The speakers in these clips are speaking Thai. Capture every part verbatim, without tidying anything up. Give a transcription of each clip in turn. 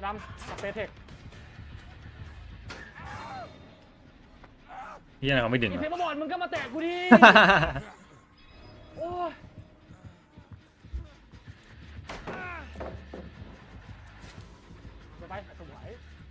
ดำสเปเทคพี่อะไรเขาไม่ดึงไอเพชรมาบอลมึงก็มาแตะกูดิโอ้ยไปไปสวย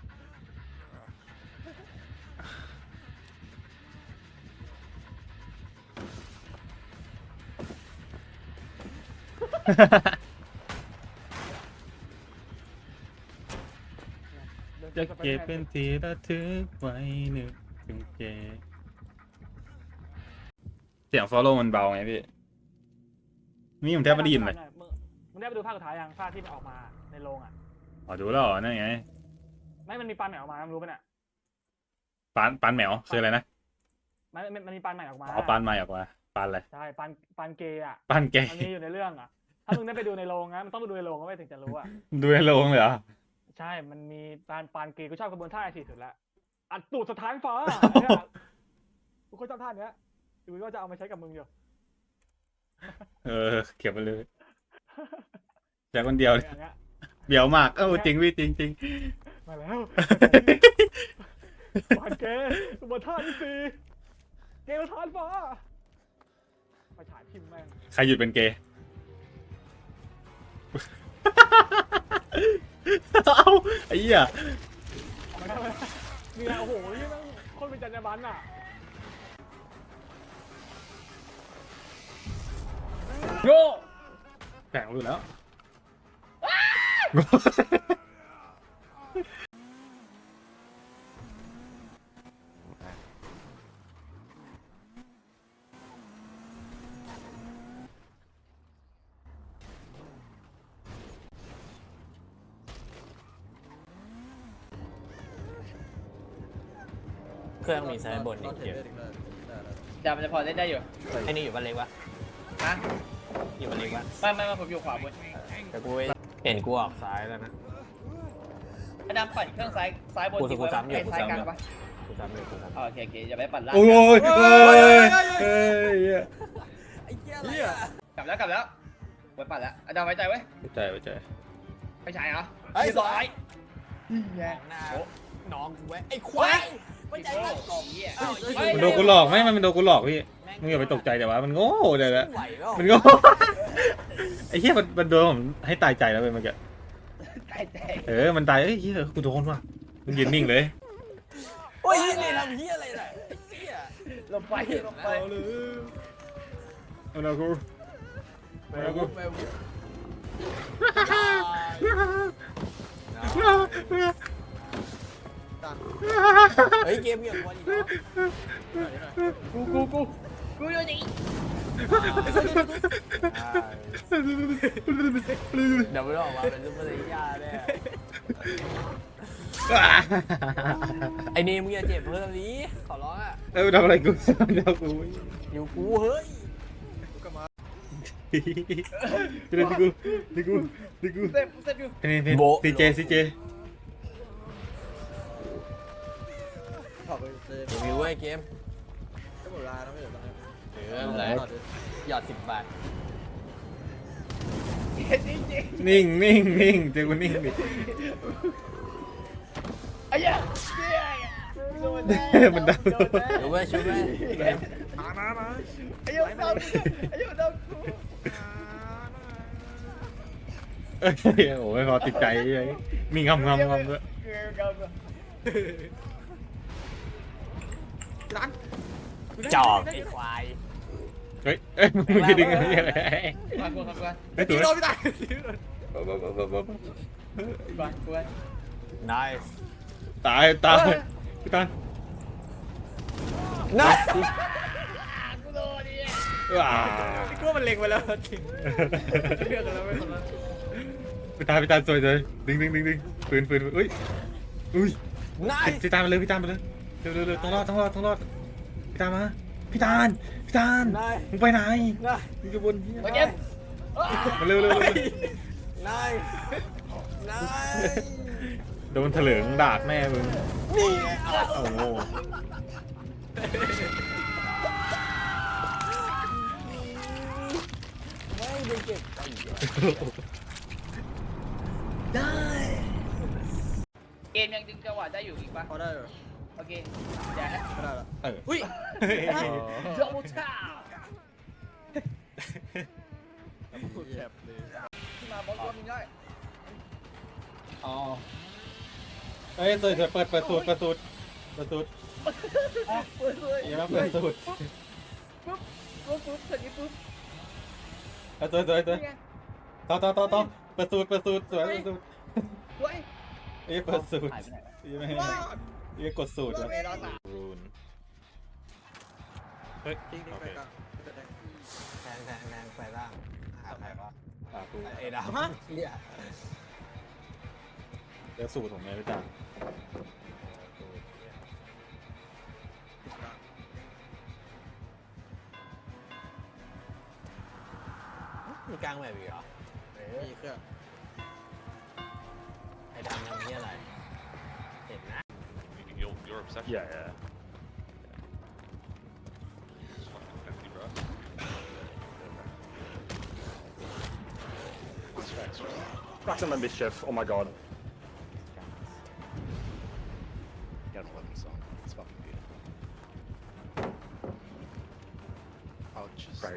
จะเก็บเป็นที่ระทึกไว้นึกถึงเกเสียง follow มันเบาไงพี่นี่ผมแทบไม่ได้ยินเลยมึงได้ไปดูภาคสุดท้ายยังภาคที่มันออกมาในโรงอ่ะอ๋อดูแล้วเหรอนั่นไงไม่มันมีปานใหม่ออกมามึงรู้ป่ะเนี่ยปานปานแมวคืออะไรนะมันมันมีปานใหม่ออกมาอ๋อปานใหม่ออกมาปานอะไรใช่ปานปานเกย์อ่ะปานเกย์มันมีอยู่ในเรื่องอ่ะถ้ามึงได้ไปดูในโรงนะมันต้องไปดูในโรงก็ไม่ถึงจะรู้อ่ะดูในโรงเลยเหรอใช่มันมีปานปานเกย์กูชอบกระบวนท่าไอทีสุดละอัดตูดสถานฟ้ากูก็ชอบท่าเนี้ยดูว่าจะเอามาใช้กับมึงอยู่เออเก็บไปเลยแต่คนเดียวเบี่ยวมากเออจริงพี่จริงจริงมาแล้วปานเกย์กระบวนท่าที่สี่เกย์สถานฟ้าไปฉายพิมพ์แม่งใครหยุดเป็นเกย์เอาไอ้เหี้ยนี่แหละโอ้โหนี่มันคนเป็นจรรยาบรรณอ่ะโง่แข่งรู้แล้วเครื่องมีไซส์บนอีกเดียวจำจะพอเล่นได้อยู่ไอ้นี่อยู่บ้านเล็กวะฮะอยู่บ้านเล็กวะไม่ไม่ไม่ผมอยู่ขวาบนแต่กูเห็นกูออกซ้ายแล้วนะไอ้ดำปั่นเครื่องซ้ายซ้ายบนกูกูซ้ำอยู่กูซ้ายกลางซ้ำอยู่ปะกูซ้ำอยู่กูซ้ำโอเคโอเคอย่าไปปั่นล่างโอ้ยเฮ้ยเฮ้ยไอ้เหี้ยอะไรอ่ะกลับแล้วกลับแล้วไปปั่นแล้วไอ้ดำไว้ใจไว้ไปใจไปใจไปฉายเหรอไอ้สายแย่หน้าน้องกูไว้ไอ้ควายไม่ใจมันกบมันโดนกูหลอกไหมมันโดนกูหลอกพี่มึงอย่าไปตกใจแต่ว่ามันโง่เดี๋ยวละมันโง่ไอ้เหี้ยมันมันโดนผมให้ตายใจแล้วไปเมื่อกี้ตายใจเออมันตายเอ้ยเหี้ยกูโดนว่ะมึงยืนนิ่งเลยโอ้ยนี่ทำเหี้ยอะไรล่ะไอ้เหี้ยลงไปลงไปเอาละกูเอาละกูเฮ้ยเกมเงียบวันอีกแล้วกูกูกูกูอยู่นี่เดี๋ยวไม่ออกมาเป็นซุปเปอร์ไซย่าแน่ไอ้นี่มึงอย่าเจ็บเพิ่มนี้ขอร้องอ่ะเออทำอะไรกูเดี๋ยวกูอยู่กูเฮ้ยเดี๋ยวกูเดี๋ยวกูเดี๋ยวกูเซ็ตเซ็ตอยู่นี่นี่ซีเจซีเจรีวิวไอ้เกมก็หมดเวลาแล้วไม่เหลืออะไรหยอดสิบบาทนิ่งนิ่งนิ่งเจอกูนิ่งดิไอ้เหี้ยมันดังชูแม่ชูแม่มามามาไอ้เหี้ยดำไอ้เหี้ยดำเอ้ยโอ้ยพอติดใจเลยมีงำงำงำด้วยจอกไอ้ควายเฮ้ยเอ้ยมึงจะดึงอะไรอะไรมากูมากูไอ้ตัวโดนไม่ได้บ้ากูนายตายตายพี่ตันนายกูโดนดิว้ากูมันเล็งไปแล้วจริงเลือกกันแล้วไม่สนแล้วพี่ตาพี่ตาสวยเลยดึงดึงดึงดึงปืนปืนอุ้ยอุ้ยนายพี่ตาไปเลยพี่ตาไปเลยเร็วเร็วเร็วต้องรอดต้องรอดต้องรอดพี่ตามาพี่ตาลพี่ตาลมึงไปไหนมึงจะบนมาเก็บมาเร็วเร็วเร็วนายนายโดนเถลิงดากแม่มึงนี่โอ้โหไม่ได้เก็บได้มยังดึงจังหวะได้อยู่อีกปะพอได้เหรอโอเคเดี๋ยวไม่ได้ละเอออุ้ยดับเบิลชาแคบเลยที่มาบอลรวมมึงได้อ๋อเฮ้ยเปิดเปิดเปิดสูตรเปิดสูตรเปิดสูตรเปิดเลยอย่ามาเปิดสูตรปุ๊บปุ๊บปุ๊บเสร็จนี้ปุ๊บเอาตัวตัวตัวต่อต่อต่อต่อเปิดสูตรเปิดสูตรสวยเปิดสูตรเฮ้ยเอ้ยเปิดสูตรหายไปไหนวะยังไม่ให้ยังกดสูตรวะรูนเฮ้ยจริงจริงไปกลางแทงแทงแทงไปล่างหาใครวะอ่ากูไอ้ดาวเนี่ยเดี๋ยวสูตรผมไงพี่จ๋ามีกลางแบบอีกเหรอมีเครื่องไอ้ดำทำนี่อะไรเห็นนะ You're, you're obsessed. Yeah, yeah. It's fucking empty, bro. Back to my mischief. Oh my god. Gotta love this song. It's fucking beautiful. I'll just. Great.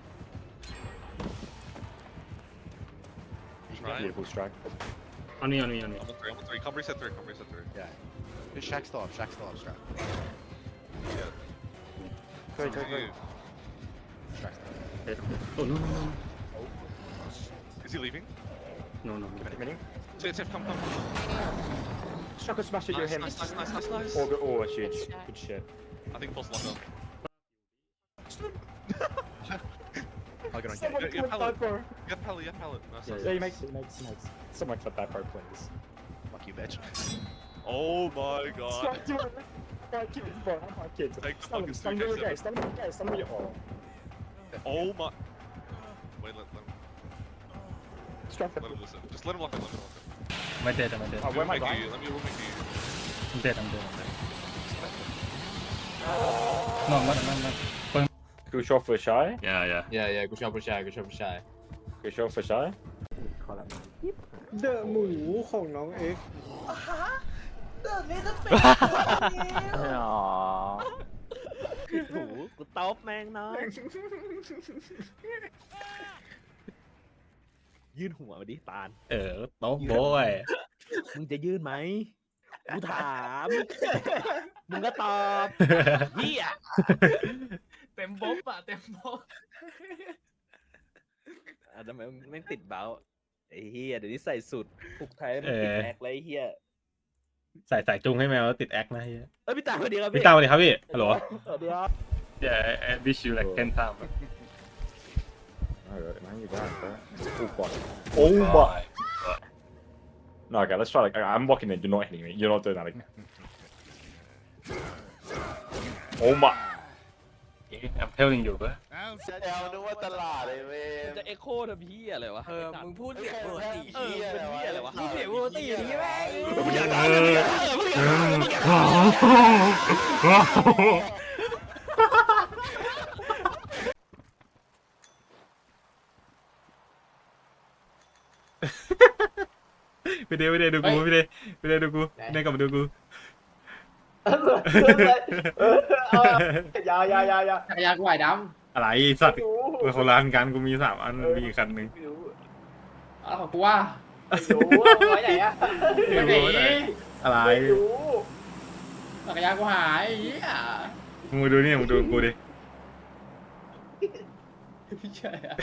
Try. Beautiful strike. On me on me on me I'm on three, I'm on three. Come reset three, come reset three. Yeah. Just Shaq still up. Shaq still up. Strap. Yeah. Great, It's great, up to great. you. Shaq still up. oh no no no Is he leaving? no no Mini. Tiff, Tiff, come, come. Struck a smash at you, Nice, him. nice, nice, nice, nice, nice. Oh, good, oh, that's huge. Good shit. I think pulse lock up. I'll get on Someone Get get Come pallet. bro. Get pallet, get pallet. Nice, nice, Yeah, he nice. makes it, he makes, he makes. Someone clip that pro, please. Fuck you, bitch. Oh my god. Strike to him. Right, kids, bro. Have my kids. Take the Stun him, fucking stun three him K again, seven. stun him again, stun him again. Oh. Oh my. Wait, let, let, him, Strike the. let him listen. Just let him lock in, let him lock in. ไม่เด็ดไม่เด็ด Oh, where am I We'll make going? you, let me, we'll make you. เด็ดเด็ดนอนมันมันมัน Good shot for shy. yeah yeah yeah yeah กูชอบผู้ชายกูชอบผู้ชาย Good shot for shy. เดอะหมูของน้องเอ็ก Aww. หูกูตบแมงน้อยยื่นหัวมาดิตาลเออโต๊ะโบยมึงจะยื่นไหมกูถาม มึงก็ตอบเฮียเต็มบ๊อบอะเต็มบ๊อบอ่ะทำไมมึงแม่งติดเบาไอ้เฮียเดี๋ยวนี้ใส่สุดผูกไทยมันติดแอกเลยไอ้เฮียใส่ใส่จุงให้แมวแล้วติดแอคนะเฮียเอ้ยพี่ตาสวัสดีครับพี่พี่ตาสวัสดีครับพี่ฮัลโหลสวัสดีครับ yeah I wish you like ten times Alright, man, you got it, bro. Oh god. Oh my. No, okay, let's try like I'm walking in. You're not hitting me. You're not doing that. Like... Oh my. I'm telling you ปะจะเอ็กโคทำเฮียอะไรวะเออมึงพูดเสียงปกติเออเป็นเฮียอะไรวะพูดเสียงปกติอย่างนี้แม่งไปเดไปเดดูกูไปเดไปเดดูกูเดกลับมาดูกูยายายายาจักรยานกูไหวดอะไรสัตว์เป็นคนละอันกันกูมีสามอันมีอีกคันหนึ่งำเอาของกูว่าอยู่ไว้ไหนอะไม่รู้อะไรอะไรจักรยานกูหายไอ้เหี้ยมึงมาดูนี่มึงดูกูดิไม่ใช่อะ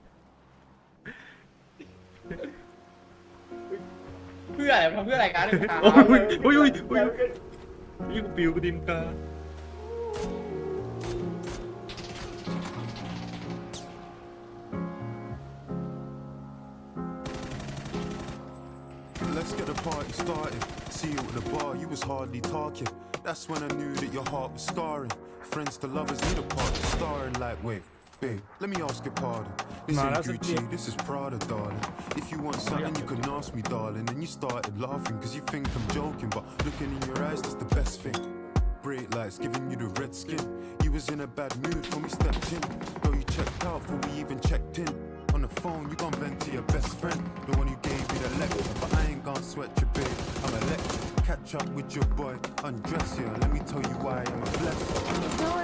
เพื่ออะไรทำเพื่ออะไรกันโอ้ยโอ้ยโอ้ยโอ้ยนี่กูปิวกูดินกา Let's get the party started. See you at the bar, you was hardly talking. That's when I knew that your heart was scarring. Friends to lovers need a part to starring like, wait, babe, let me ask your pardon. This Nah, ain't that's a Gucci, bit- this is Prada, darling. If you want something, you can ask me, darling. And you started laughing, cause you think I'm joking. But looking in your eyes, that's the best thing. Bright lights giving you the red skin. You was in a bad mood when we stepped in. Though you checked out before we even checked in. On the phone, you gon' vent to your best friend, the one who gave me the lecture. But I ain't gon' sweat you, babe. I'm electric. catch up with your boy. Undress here, let me tell you why I'm a blessing.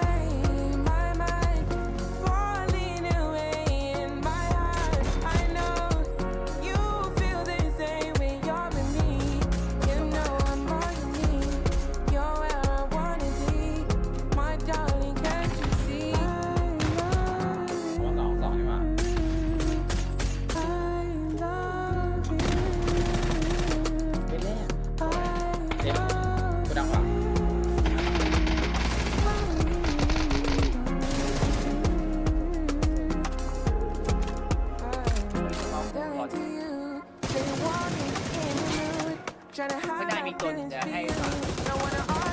ไม่ได้มีตัวหนึ่งจะให้ฟัง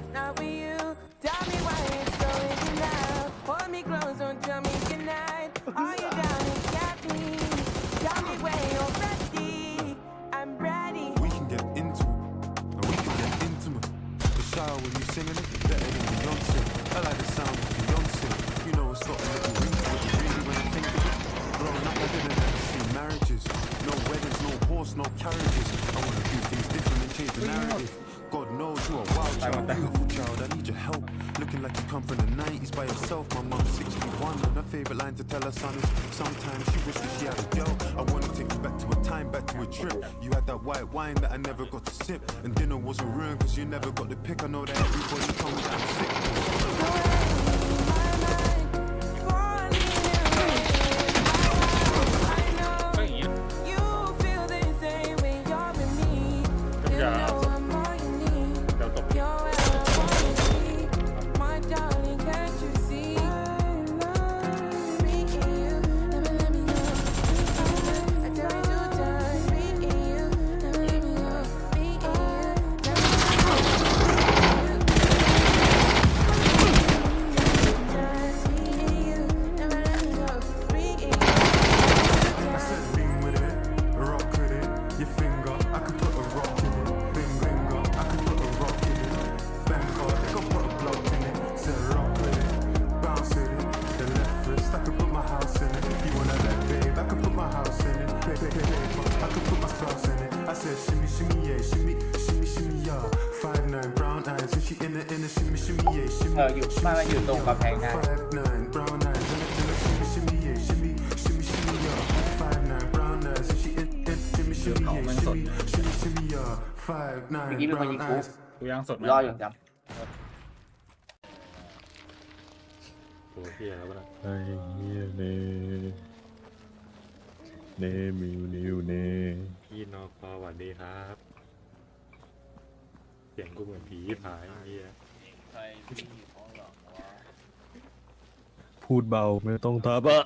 We can get into it, and we can get intimate. The shower when you singing it, better than Beyonce. I like the sound of Beyonce. You know it's got a little ring to it, really when I think of it. Growing up, I didn't ever see marriages. No weddings, no horse, no carriages. I wanna do things different and change the narrative. God knows you are a wild child, beautiful child. I need your help. Looking like you come from the nineties by yourself. My mom's sixty-one, and her favorite line to tell her son is sometimes she wishes she had a girl. I wanna take you back to a time, back to a trip. You had that white wine that I never got to sip, and dinner wasn't ruined cause you never got the pick. I know that everybody told me that I'm sick. เอออยู่บ้านมันอยู่ตรงกำแพงได้ Five เมื่อ nine กี้เป็นคน brown ยิงกู eyes. กูยังสดไหมรออยู่จโอ้เฮียแล้วนะไอ้เฮียเนเนมิวนิวเนพี่นอกพอสวัสดีครับเสียงกูเหมือนผีผายเฮียพูดเบาไม่ต้องทับอะ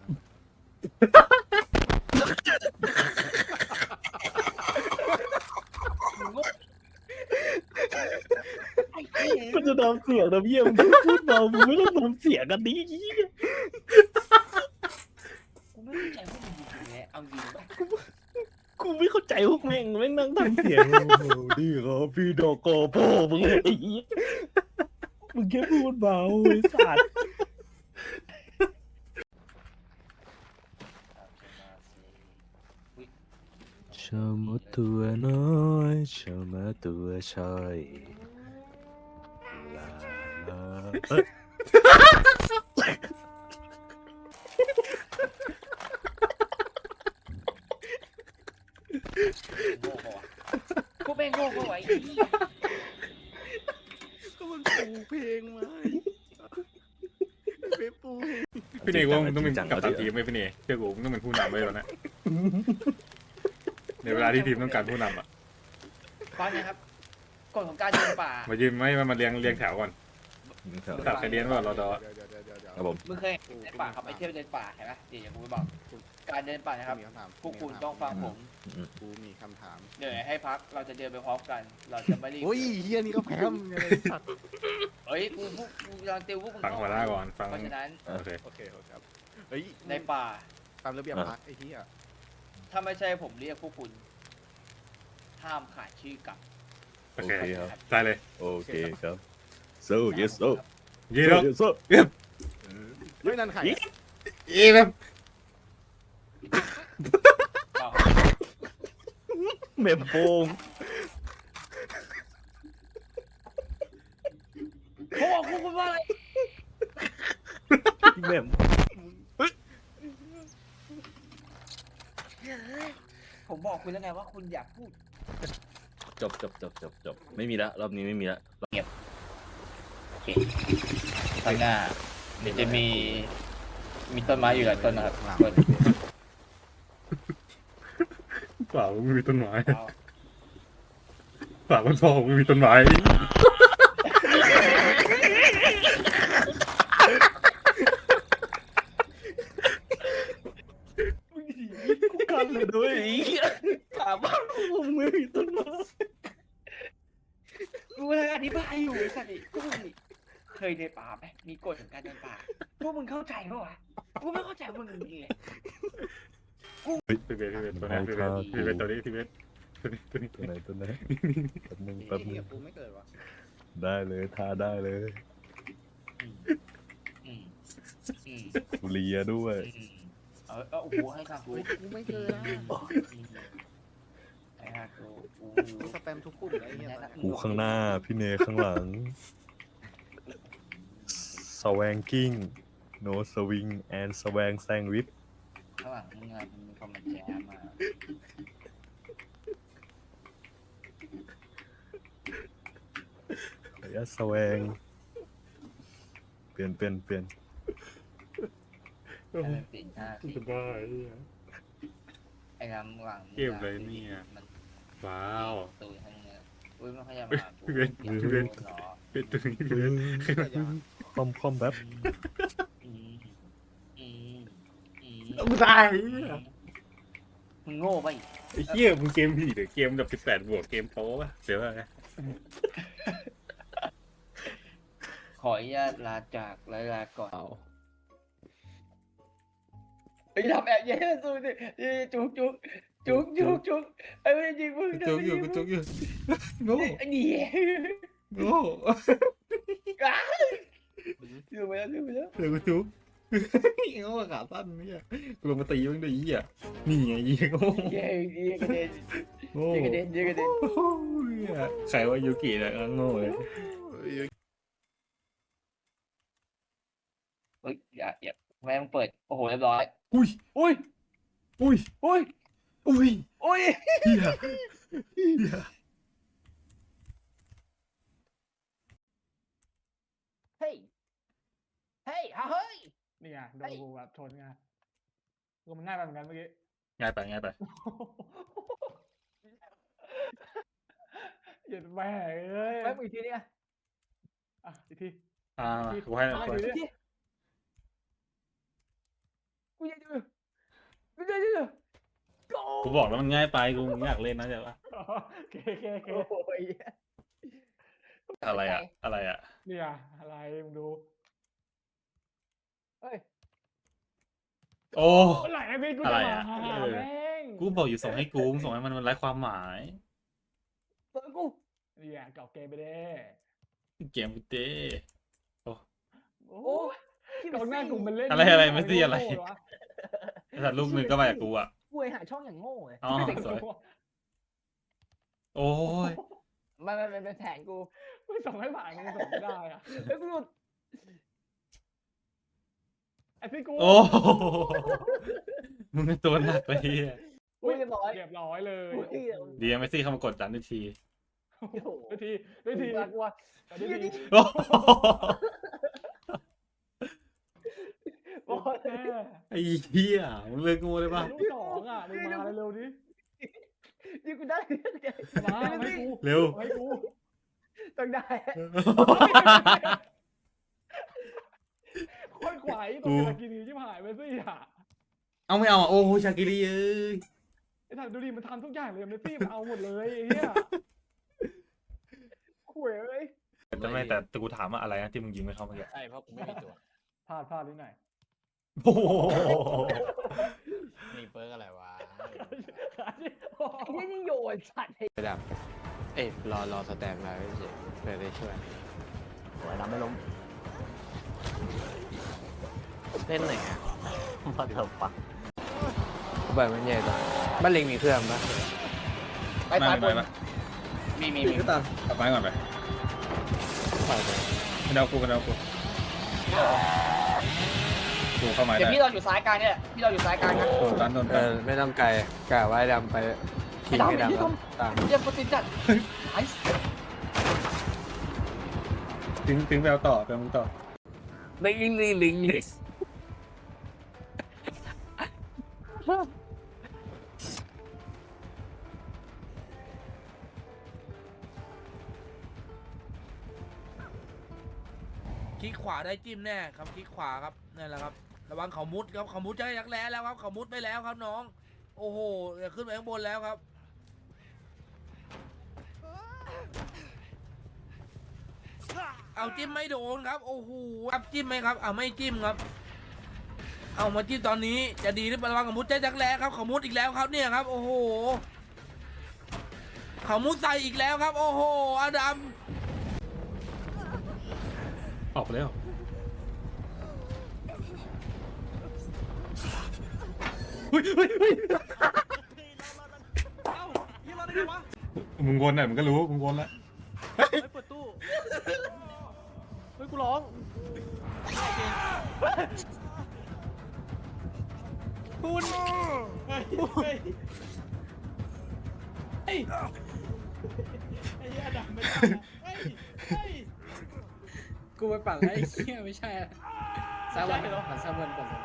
มันจะทำเสียงนะพี่มึงพูดเบามึงไม่ต้องทำเสียงกันดิกูไม่เข้าใจพวกมึงจริงๆเลยเอาจริงป่ะกูไม่เข้าใจพวกแม่งแม่งนั่งทำเสียงโอ้โหดีครับพี่ดอกกอพ่อมึงไอ้เหี้ยมึงแค่พูดเบาไอ้สัตว์ชามาตัวน้อยชามาตัวชายลาลาเอ้ยโง่ปะวะพวกแม่งโง่ปะวะไอ้เหี้ยก็มันปูเพลงมาไปปูพี่เนยว่ามึงต้องเป็นกัปตันทีมไหมพี่เนยเชื่อกูมึงต้องเป็นผู้นำไว้แล้วนะในเวลาที่ทีมต้องการผู้นำอ่ะฟังนะครับกฎของการเดินป่ามายืนไม่มาเรียงเรียงแถวก่อนตัดใครเรียนว่ารอดอครับผมมึงเคยเห็นในป่าครับไปเที่ยวเดินป่าเห็นไหมเดี๋ยวกูไปบอกการเดินป่านะครับพวกคุณต้องฟังผมกูมีคำถามเดี๋ยวให้พักเราจะเดินไปพร้อมกัน เราจะไม่รีบโอ้ยเฮียนี่ก็แพ้มยังไงสัตว์เฮ้ยกูพวกกูกำลังติวพวกมึงฟังหัวหน้าก่อนฟังเพราะฉะนั้นโอเคโอเคครับเฮ้ยในป่าตามระเบียบพักไอ้เฮียถ้าไม่ใช่ผมเรียกพวกคุณห้ามขาดชื่อกลับโอเคได้เลยโอเคครับ so yes so ยีแล้ว yes so เฮ้ยนั่นใครอีแบบเปล่าเมมโปงคุณว่าอะไรแม่มผมบอกคุณแล้วไงว่าคุณอยากพูดจบจบจบจบจบไม่มีละรอบนี้ไม่มีละข้างหน้าเดี๋ยวจะมีมีต้นไม้อยู่หลายต้นนะครับต้นเปล่าไม่มีต้นไม้เอาเปล่ามันพอไม่มีต้นไม้กูกันเลยด้วยไอ้เหี้ยถามว่ามึงไม่มีต้นไม้กูเลยอธิบายอยู่ไอ้สัตว์นี่กูนี่เคยในป่าไหมมีกฎของการเดินป่าพวกมึงเข้าใจปะวะกูไม่เข้าใจมึงจริงๆเลยพี่เบสพี่เบสตัวนี้พี่เบสพี่เบสตัวนี้พี่เบสตัวนี้ตัวนี้ตัวไหนตัวไหนแป๊บนึงแป๊บนึงกูไม่เกิดวะได้เลยทาได้เลยอืมอืมกูเลียด้วยอืมเออเออโอ้โหให้ข้ากูกูไม่เกิดนะให้ข้ากูกูกูสแปมทุกกลุ่มเลยไอ้เหี้ยตอนเนี้ยกูข้างหน้าพี่เนข้างหลัง swanging no swing and swang sandwich ข้างหลังมึงอะมันมีคอมเมนต์แจมมาระยะ swang เปลี่ยนเปลี่ยนเปลี่ยนให้มันติดหน้าสิสบายไอ้น้ำหลังเกมอะไรเนี่ยมันว้าวตูนข้างเนี้ยอุ้ยมันขยับมากูพี่เบนพี่เบนเนาะเป็นตัวนี้พี่เบสคอมคอมแบบอืมอืมอืมกูตายมึงโง่ไปะไอ้เหี้ยมึงเกมผีหรือเกมแบบสิบแปดบวกเกมโป๊ะเดี๋ยวอะไรขออนุญาตลาจากลาลาก่อนไอ้ทำแอบแย่สู้ดิจุกจุกจุกจุกจุกไอ้ไม่จริงมึงจุกอยู่กูจุกอยู่โง่ไอ้นี่โง่ดูไปแล้วดูไปแล้วเดี๋ยวกูจุกโง่ขาสั้นเนี่ยกูลงมาตีมึงด้วยยี่อ่ะนี่ไงยี่โง่เย้เย้กระเด็นโง่เย้กระเด็นเย้กระเด็นใครว่ายูกิเนี่ยโง่เลยเฮ้ยอย่าอย่าแม่งเปิดโอ้โหเรียบร้อยอุ้ยอุ้ยอุ้ยอุ้ยอุ้ยอุ้ยเฮียเฮียเฮ้ยเฮ้ยเฮ้ยนี่ไงโดนกูแบบชนไงกูมันง่ายไปเหมือนกันเมื่อกี้ง่ายไปง่ายไปเหยียดแม่เอ้ยแม่งอีกทีเนี่ยอ่ะอีกทีอ่ากูให้อะไรกูอยู่ให้เนี่ยกูจะดูกูจะดูกูบอกแล้วมันง่ายไปกูไม่อยากเล่นนะเดี๋ยวว่าโอเคโอเคโอเคโอ้ยอะไรอ่ะอะไรอ่ะนี่อ่ะอะไรมึงดูเฮ้ยโอ้ไหลไอ้พี่กูอะไรจะอ่ะมาหาเออแม่งกูบอกอยู่ส่งให้กูมึงส่งให้มันมันไร้ความหมายเปิดกูนี่อ่ะเก่าเกมไปเด้เกมกูเต้โอ้โอ้เก่าหน้ากูมันเล่นอะไรอะไรไม่สิอะไรโง่ๆวะแต่ลูกหนึ่งก็มาจากกูอ่ะกูหาช่องอย่างโง่เลยอ๋อสวยโอ้ยไม่ไม่ไม่เป็นแผนกูไม่ส่งให้ผ่านมึงส่งไม่ได้อ่ะเฮ้ยกูหลุดไอ้พี่กูโอ้มึงเป็นตัวหนักเลยเฮียอุ้ยเรียบร้อยเรียบร้อยเลยอุ้ยดีไม่ซี่เข้ามากดดันทันทีโอ้โหด้วยทีด้วยทีกลัวกลัวด้วยทีโอ้โอ้ยแม่ไอ้เหี้ยมึงเลิกงูเลยป่ะลูกสองอ่ะมึงมาเร็วๆดินี่กูได้มาให้กูเร็วให้กูต้องได้โคตรขวายตัวกากินีที่หายไปสิอ่ะเอาไม่เอาอ่ะโอ้โหชากิรีเอ้ยไอ้ท่านดูดิมันทำทุกอย่างเลยเมสซี่มันเอาหมดเลยไอ้เหี้ยข่วยเอ้ยแต่ไม่แต่แต่กูถามว่าอะไรนะที่มึงยิงไม่เข้าเมื่อกี้ใช่เพราะกูไม่มีตัวพลาดพลาดนิดหน่อยโอ้โหมีเปิร์กอะไรวะไอ้นี่นี่โยนสัตว์ระดับเอ้ยรอรอสแตนมาเฉยเพื่อได้ช่วยสวยน้ำไม่ล้มเล่นไหนอ่ะมาเถอะปักเปิดมันใหญ่จังบ้านเล็งมีเครื่องปะไปไม่ซ้ายบไม่นไม่มีมีมีตัดไปก่อนไปปล่อยไปมันมันเอากูมันเอากูกูเข้ามาเดี๋ยวได้พี่เราอยู่ซ้ายกลางเนี่ยแหละพี่เราอยู่ซ้ายกลางนะโดนตันโดนเอตันอไม่ต้องไกลกะไว้ดำไปทิ้งให้ดำครับตามเรียกโปรตีนจัดไอ้ทิ้งทิ้งไปเอาต่อไปเอามึงต่อลิงลิงลิงลิงคลิกขวาได้จิ้มแน่ครับคลิกขวาครับนั่นแหละครับระวังเขามุดครับเขามุดจะให้ยักแร้แล้วครับเขามุดไปแล้วครับน้องโอ้โหอย่าขึ้นไปข้างบนแล้วครับเอาจิ้มไม่โดนครับโอ้โหครับจิ้มไหมครับเอาไม่จิ้มครับเอามาจิ้มตอนนี้จะดีหรือเปล่าระวังเขามุดจะยักแร้ครับเขามุดอีกแล้วครับเนี่ยครับโอ้โหเขามุดใส่อีกแล้วครับโอ้โหอดัมออกไปแล้วเฮ้ยเฮ้ยเฮ้ยมึงวนหน่อยมึงก็รู้มึงวนแล้วเปิดตู้เฮ้ยกูร้องคุณเฮ้ยเฮ้ยเฮ้ยไอ้เหี้ยดำไม่ได้เฮ้ยเฮ้ยกูไปปั่นแล้วไอ้เหี้ยไม่ใช่อะซาวันปั่นซาวันก่อน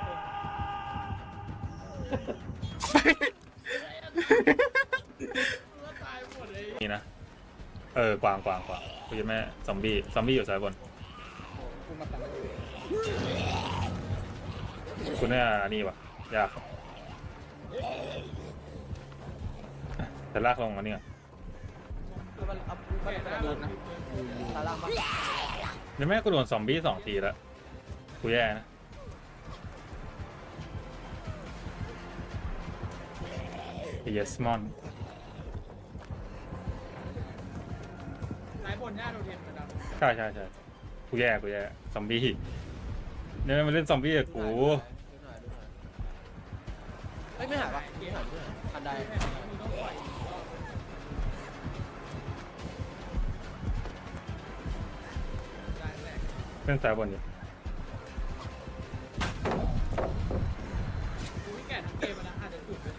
ตายหมดเลยนี่นะเออกวางกวางกวางกูจะแม่ซอมบี้ซอมบี้อยู่ซ้ายบนกูมาปั่นแล้วอยู่คุณเนี่ยนี่วะยากแต่ลากลงมาเนี่ยไม่ได้โดนนะตาล่างปะเดี๋ยวแม่กูโดนซอมบี้สองทีแล้วกูแย่นะไอ้เยสมอนสายบนหน้าโดนเทียนเหมือนกันใช่ใช่ใช่กูแย่กูแย่ซอมบี้เนี่ยมันเล่นซอมบี้กับกูเฮ้ยไม่หายปะไม่หายไม่หายทันใดเล่นซ้ายบนอยู่กูไม่แก่ทั้งเกมแล้วอาจจะจุดเลย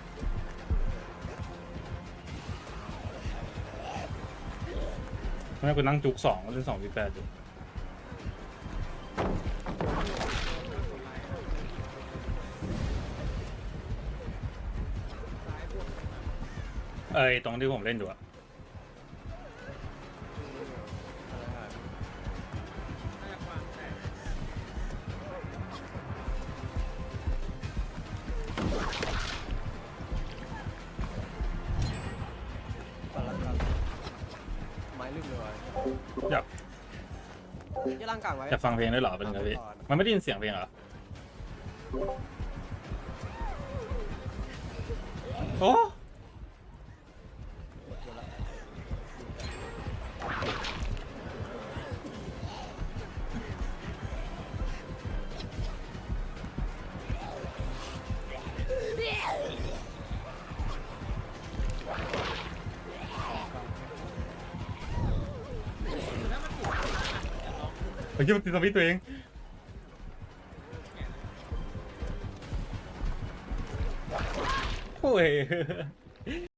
แม่กูนั่งจุกสองเล่นสองวีแปดอยู่เอ้ยตรงที่ผมเล่นอยู่อะไม้ลืมเลยว่ะอยากที่ร่างกลางไว้อยากฟังเพลงด้วยเหรอเป็นไงพี่มันไม่ได้ยินเสียงเพลงเหรอโอ้เฮ้ยมันติดสวิตช์ตัวเองโอ้ย